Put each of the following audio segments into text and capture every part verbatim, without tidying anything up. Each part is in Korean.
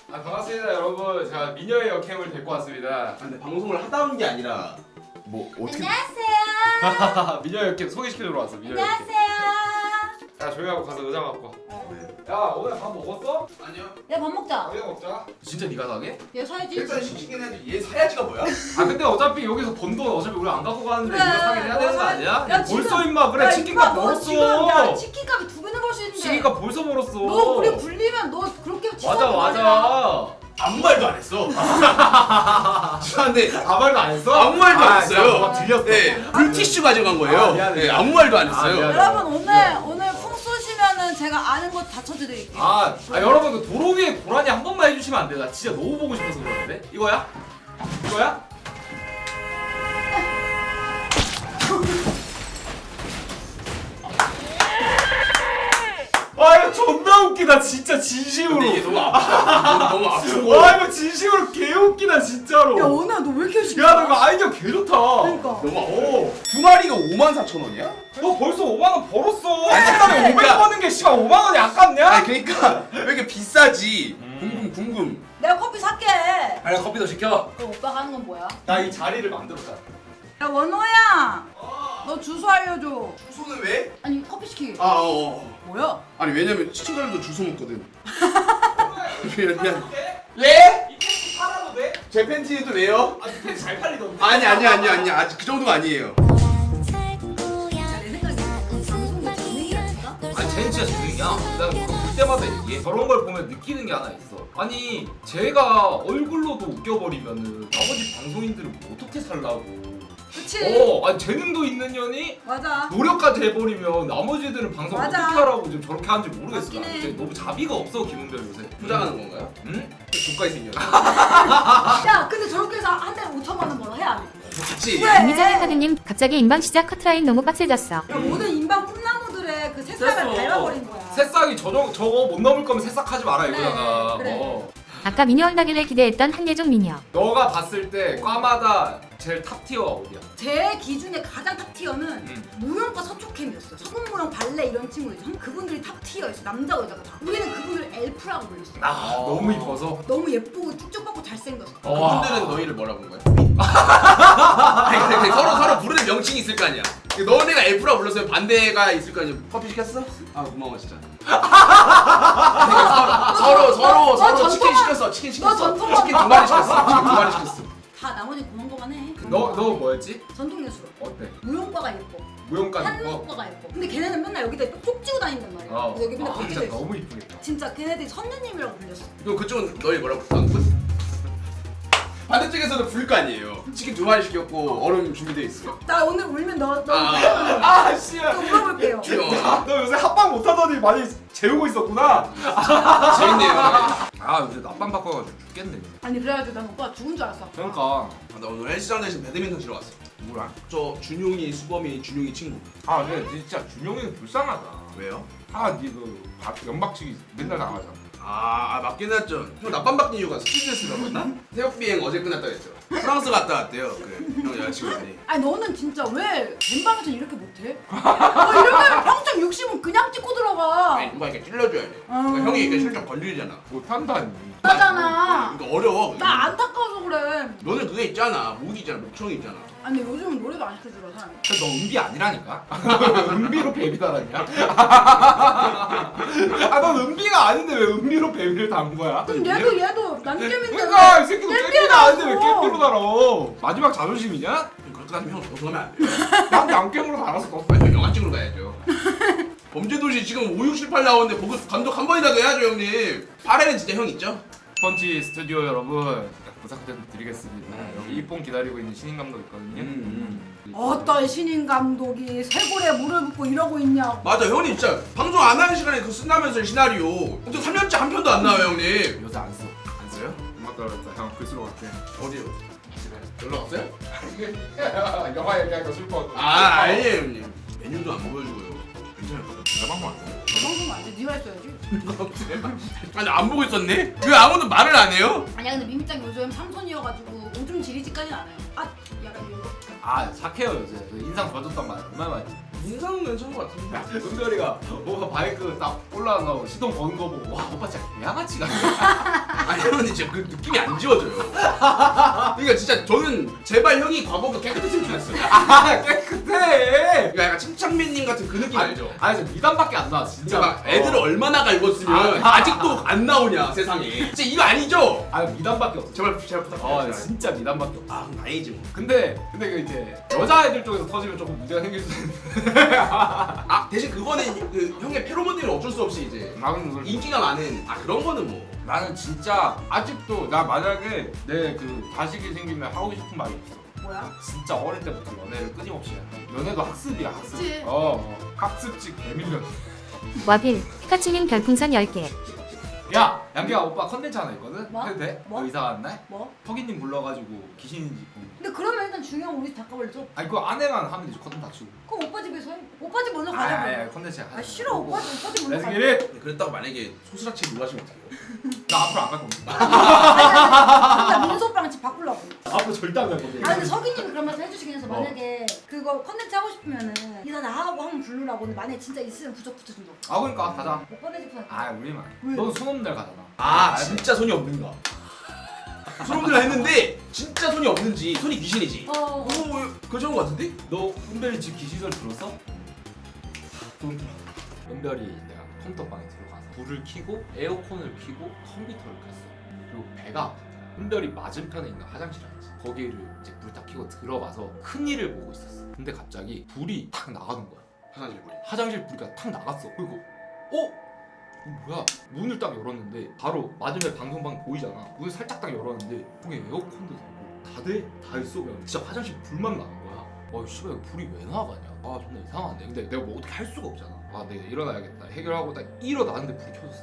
아, 반갑습니다 여러분. 제가 미녀의 역캠을 데리고 왔습니다. 아, 근데 방송을 하다 온 게 아니라 뭐 어떻게 안녕하세요. 미녀의 역캠 소개시켜주러 왔어. 미녀의 역캠. 안녕하세요. 야 조용히 하고 가서 의자 갖고 왜? 와. 야 오늘 밥 먹었어? 아니요. 야 밥 먹자. 당연히 먹자. 진짜 네가 사게? 얘 사야지. 일단 시키긴 해야지. 얘 사야지가 뭐야? 아 근데 어차피 여기서 번 돈 어차피 우리 안 갖고 가는데 그래. 네가 사게 해야 되는 거 어, 아니야? 야, 야, 지금- 벌써 임마 그래 야, 치킨값 임마, 너 지금 야 벌었어. 치킨값이 두 배는 벌 수 있는데. 치킨값 벌써 벌었어. 너 우리 굴리면 너 그렇게 맞아 치사하게 말이야. 맞아. 아무 말도 안 했어. 죄송한데 아무 말도 안 했어? 아무 말도 안 아, 했어요. 진짜 뭐가 들렸어. 네, 물티슈 가져간 거예요. 아, 미안해, 네, 미안해. 아무 말도 안 아, 했어요. 미안해. 여러분 오늘 오늘 풍 쏘시면은 제가 아는 거 다 쳐드릴게요. 아, 아 여러분 그 도로 위에 고라니 한 번만 해주시면 안 돼? 나 진짜 너무 보고 싶어서 그러는데? 이거야? 이거야? 아 이거 존나 웃기다 진짜 진심으로. 근데 이게 너무 아파. 너무 아프고. 와 이거 진심으로 개 웃기다 진짜로. 야 오늘 너 왜 이렇게 열심히? 야 너 이거 아이디어 개 좋다. 그러니까. 너무 아파. 오, 두 마리가 오만 사천 원이야? 너 벌써 오만 원 벌었어. 아니, 한 달에 오백 그러니까- 버는 게 씨발 오만 원이 아깝냐? 아니 그러니까 왜 이렇게 비싸지? 음. 궁금 궁금. 내가 커피 살게. 아니 커피도 시켜. 그럼 오빠가 하는 건 뭐야? 나 이 자리를 만들었잖아. 야 원호야. 너 주소 알려줘. 주소는 왜? 아니 커피 시키게. 아 어. 어. 뭐야? 아니 왜냐면 시청자들도 주소 먹거든. 미안 미안. 예? 이 팬티 팔아도 돼? 제 팬티도 왜요? 아, 이 팬티 잘 팔리던데. 아니 아니 아니 아니 아직 그 정도가 아니에요. 야내 생각에 방송도 재능이라니까? 아니 쟤는 진짜 재능이야. 난 그거 볼 때마다 얘기해. 저런 걸 보면 느끼는 게 하나 있어. 아니 제가 얼굴로도 웃겨버리면은 나머지 방송인들은 뭐 어떻게 살라고. 그치? 어, 아니 재능도 있는 년이 맞아. 노력까지 해버리면 나머지들은 방송 맞아. 어떻게 하라고 지금 저렇게 하는지 모르겠어. 맞긴 나. 해. 이제 너무 자비가 없어 김은별 요새. 포장하는 건가요? 응? 조카이 생겼어. 야 근데 저렇게 해서 한 달에 오천만 원 벌어 해야 안 해? 맞지? 왜? 이미정의 카드님 갑자기 인방 시작 커트라인 너무 빡세졌어. 야, 모든 인방 꿈나무들의 그 새싹을 밟아버린 거야. 새싹이 저저 저거 못 넘을 거면 새싹하지 마라 그래, 이거잖아. 그래. 어. 아까 미녀 온다길래 기대했던 한예종 미녀. 너가 봤을 때 과마다 제일 탑 티어가 어디야? 제 기준에 가장 탑 티어는 음. 무용과 서초캠이었어. 서군무용 발레 이런 친구들. 그분들이 탑 티어였어. 남자 여자가 다. 우리는 그분들 엘프라고 불렀어. 아 너무 이뻐서. 너무 예쁘고 쭉쭉 뻗고 잘생겼어. 와. 그분들은 너희를 뭐라 부른 거야? 아니 근데 근데 서로 서로 부르는 명칭이 있을 거 아니야. 너네가 엘프라 불렀으면 반대가 있을 거 아니야. 커피 시켰어? 아 고마워 진짜. 그러니까 서로 서로 너- 너 서로 전통화- 치킨 시켰어. 치킨 시켰어. 전통화- 치킨 두 마리 시켰어. 치킨 두 마리 시켰어. 다 나머지 고만고만 해. 너 너 뭐였지? 전통예술. 어때? 무용과가 예뻐. 무용까지 입고? 한국과가 예뻐. 근데 걔네는 맨날 여기다 쪽 찌고 다닌단 말이야. 어. 그래서 여기 맨날 아, 벗겨져 진짜 있어. 너무 이쁘겠다. 진짜 걔네들이 선녀님이라고 불렸어. 그럼 그쪽은 너희 뭐라고 불렀어? 반대쪽에서도 부를 거 아니에요. 치킨 두 마리 시켰고 얼음 준비돼 있어. 나 오늘 울면 너, 너 아. 아 씨야. 또 물어볼게요. 귀여워. 너 요새 합방 못하더니 많이 재우고 있었구나. 재밌네요. 아 요새 낮밤 바꿔가지고 죽겠네. 아니 그래가지고 난 오빠가 죽은 줄 알았어. 그러니까 아, 나 오늘 헬스장 대신 배드민턴 치러 왔어. 뭐야? 저 준용이 수범이 준용이 친구. 아 근데 진짜 준용이는 불쌍하다. 왜요? 아니그 연박치기 맨날 나가잖아. 아, 아 맞긴 했죠. 형 낮밤 바뀐 이유가 스튜디오스라고 했나? 새벽 비행 어제 끝났다 했죠. 프랑스 갔다 왔대요. 그형 여자친구분이. 아니 너는 진짜 왜 뱀방에서 이렇게 못해? 너 이러면 평생 육십은 그냥 찍고 들어가. 아니 누가 이렇게 찔러줘야 돼. 그러니까 형이 이렇게 슬쩍 건드리잖아. 못한다니. 나잖아. 그러니까 어려워. 나 안타까워서 그래. 너는 그게 있잖아. 목이 있잖아. 목청이 있잖아. 아니 요즘은 노래도 안 시켜주라 사람이. 너 은비 아니라니까? 은비로 뱀이 달았냐? 아넌 은비가 아닌데 왜 은비로 뱀을 단 거야? 그럼 얘도 얘도 난개인데 그러니까 이 새끼도 깻비로 깻비가 아닌데 왜 달았어. 깻비로 달아? 마지막 자존심이냐? 그렇게 하면 형 벗어나면 안 돼요. 난 양갱으로 달았어 너. 아니 형 영화 찍으러 가야죠. 범죄도시 지금 오, 육, 칠, 팔 나오는데 거기 감독 한 번이라도 해야죠 형님. 팔 회는 진짜 형 있죠? 펀치 스튜디오 여러분 부탁 좀 드리겠습니다. 여기 이쁨 기다리고 있는 신인 감독 있거든요. 음, 어떤 신인 감독이 쇄골에 물을 붓고 이러고 있냐고. 맞아 형님 진짜 방송 안 하는 시간에 그거 쓴다면서 시나리오. 또 삼 년째 한 편도 안 나와요 형님. 요새 안 써. 안 써요? 맞다 맞다. 형 글쓰러 갈게. 어디요? 집에. 연락 왔어요? 영화 얘기하니까 슬퍼. 아 아니에요 형님. 메뉴도 안 보여주고요. 괜찮을 것 같아. 내가 방금 안 돼. 저 방송 안 돼. 네가 했어야지. 아니 안 보고 있었네? 왜 아무도 말을 안 해요? 아니야 근데 미미짱 요즘 삼손이어가지고 오줌 지리지까지는 안 해요. 아 약간 이런 거. 아 착해요 요새. 그 인상 좋아졌단 말 얼마나 많이. 인상은 괜찮은 것 같은데. 은별이가 오빠 바이크 딱 올라가서 시동 거는 거 보고 와 오빠 진짜 양아치 같네. 아니 형은 진짜 그 느낌이 안 지워져요. 그러니까 진짜 저는 제발 형이 과거보다 깨끗했으면 좋겠어요. 아 깨끗해. 그러니까 약간 침착맨님 같은 그 느낌 알죠? 아니 저 미담밖에 안 나와 진짜. 진짜 막 애들을 어. 얼마나 갈궜으면 아, 아직도 안 나오냐 세상에. 진짜 이거 아니죠? 아 미담밖에 없어. 제발 제발 부탁드려요. 아 제발. 진짜 미담밖에 없어. 아 그럼 다행이지 뭐. 근데 근데 그 이제 여자애들 쪽에서 터지면 조금 문제가 생길 수 있는데. 아 대신 그거는 그 형의 페로몬들은 어쩔 수 없이 이제 나는 그걸 인기가 많은 아 그런 거는 뭐. 나는 진짜 아직도 나 만약에 내 그 자식이 생기면 하고 싶은 말이 없어. 뭐야? 진짜 어릴 때부터 연애를 끊임없이 해. 연애도 학습이야 학습. 그치. 어, 어. 학습지 개밀려. 와빌 피카츄님 별풍선 열 개. 야 양기야 오빠 컨텐츠 하나 있거든. 뭐? 해도 돼? 뭐? 너 이사 간 날? 뭐? 턱이님 불러가지고 귀신인지. 보는 거. 근데 그러면 일단 중요한 우리 집 닦아버리죠. 아니 그거 아내만 하면 되지 컨텐츠 다 치고. 그럼 오빠 집에서 해. 오빠 집 먼저 아, 가자. 아, 그럼. 아 컨텐츠 하자. 아 싫어 오빠 집 오빠 집 먼저 렛츠 가자. 기릿. 그랬다고 만약에 소스라치 놀라시면 어떡해요? 나 앞으로 안 갈 겁니다. 나 민수 오빠랑 집 바꾸려고. 앞으로 절대 안 갈 겁니다. 아 근데 석이님이 그런 말씀 해주시긴 해서 어. 만약에 그거 컨텐츠 하고 싶으면은 이사 나하고 한번 부르라고. 근데 만약에 진짜 있으면 부적 붙여준다. 아 그러니까 가자. 오빠 내 집 가자. 아 우리만. 왜? 너는 손 없는 날 가잖아. 아 진짜 손이 없는가? 소름들을 했는데 진짜 손이 없는지 손이 귀신이지. 어. 오 그런 거 같은데? 너 은별이 집 귀신설 들었어? 돈 들어. 은별이 내가 컴퓨터 방에 들어가서 불을 켜고 에어컨을 켜고 컴퓨터를 켰어. 그리고 배가 아파. 은별이 맞은편에 있는 화장실 알지? 거기를 이제 불 딱 켜고 들어가서 큰 일을 보고 있었어. 근데 갑자기 불이 탁 나가는 거야. 화장실 물이. 화장실 불이 탁 나갔어. 그리고 어? 이거 뭐야? 문을 딱 열었는데 바로 맞은편 방송방 보이잖아. 문을 살짝 딱 열었는데 거기 에어컨도 되고 다 돼? 다 있어. 그냥 진짜 화장실 불만 나는 거야. 어 씨발 이거 불이 왜 나가냐? 아 존나 이상한데. 근데 내가 뭐 어떻게 할 수가 없잖아. 아 내가 일어나야겠다. 해결하고 딱 일어나는데 불이 켜졌어.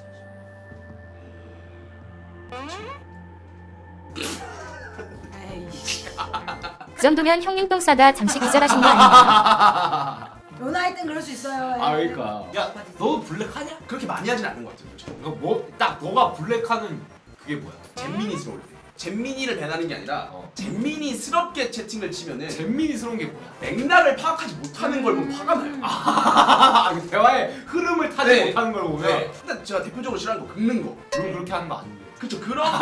에이씨. 그 정도면 형님 똥 싸다 잠시 기절하신 거 아닌가요? 연하일 땐 그럴 수 있어요. 아 그러니까. 야 너 블랙하냐? 그렇게 많이 하진 않는 것 같아요. 솔직히. 너 뭐 딱 너가 블랙하는 그게 뭐야? 잼민이스러울 때. 잼민이를 배나는 게 아니라 어. 잼민이스럽게 채팅을 치면은 잼민이스러운 게 뭐야? 맥락을 파악하지 못하는 걸 보면 화가 나요. 아, 그 대화의 흐름을 타지 네. 못하는 걸 보면 네. 근데 제가 대표적으로 싫어하는 거 긁는 거. 넌 그렇게 하는 거 아닌데. 그쵸 그런 거.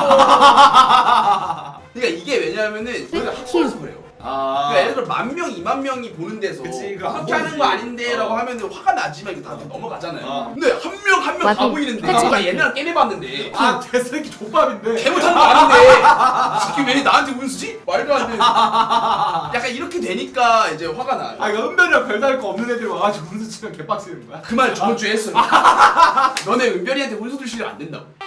그러니까 이게 왜냐면은 우리가 학교에서 그래요. 아. 그러니까 예를 들어 만 명, 이만 명이 보는 데서 그치, 그거 안 그렇게 하는 보이지. 거 아닌데라고 어. 하면 화가 나지만 이게 다 넘어가잖아요. 어. 근데 한 명 한 명 다 와비, 보이는데 패치 나 와비. 얘네랑 게임 해봤는데 아, 개새끼 족밥인데. 개 못하는 거 아닌데 이 새끼 왜 나한테 운수지? 말도 안 되는. 약간 이렇게 되니까 이제 화가 나요. 아, 이거 은별이랑 별다를 거 없는 애들이 와가지고 운수 치면 개빡치는 거야? 그 말 저번 주에 했어요. 너네 은별이한테 운수 줄 시간 안 된다고.